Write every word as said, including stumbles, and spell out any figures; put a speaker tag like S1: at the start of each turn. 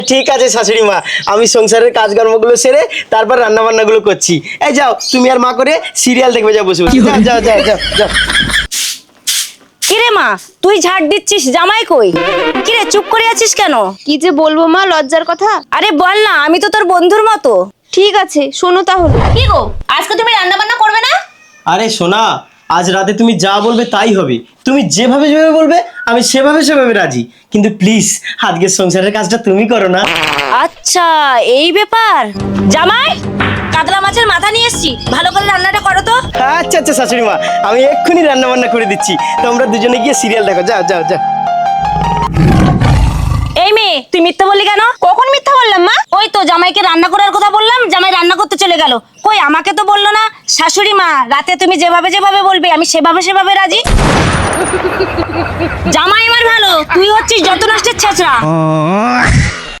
S1: ঠিক আছে শাশুড়ি মা, আমি সংসারের কাজকর্মগুলো সেরে তারপর রান্না বান্নাগুলো করছি। এই যাও তুমি আর মা করে সিরিয়াল দেখবে, যাও বসে বসে। যাও যাও যাও যাও যাও।
S2: কিরে মা, তুই ঝাড় দিচ্ছিস, জামাই কই? কিরে চুপ করে আছিস কেন?
S3: কি যে বলবো মা, লজ্জার কথা।
S2: আরে বল না, আমি তো তোর বন্ধুর মতো।
S3: ঠিক আছে শোনো তাহলে।
S2: কি গো, আজকে তুমি রান্না বান্না করবে না?
S1: আরে সোনা, আজ রাতে তুমি যা বলবে তাই হবে। তুমি যেভাবে যেভাবে বলবে আমি সেভাবে সেভাবে রাজি, কিন্তু প্লিজ আজকের সংসারের কাজটা তুমি করো না।
S2: আচ্ছা এই ব্যাপার। জামাই, কাতলা মাছের মাথা নিয়ে এসেছি, ভালো করে রান্নাটা করো তো।
S1: আচ্ছা আচ্ছা শাশুড়ি মা, আমি এক্ষুনি রান্না বান্না করে দিচ্ছি, তোমরা দুজনে গিয়ে সিরিয়াল দেখো। যাও যাও যাও।
S2: এই মেয়ে, তুই মিথ্যা বললি কেন? কখন মিথ্যা বললাম মা? ওই তো জামাইকে রান্না করার কথা বললাম, জামাই রান্না করতে চলে গেল। কই, আমাকে তো বললো না। শাশুড়ি মা, রাতে তুমি যেভাবে যেভাবে বলবে আমি সেভাবে সেভাবে রাজি। জামাই আমার ভালো, তুই হচ্ছিস যত নষ্টের ছেঁচড়া।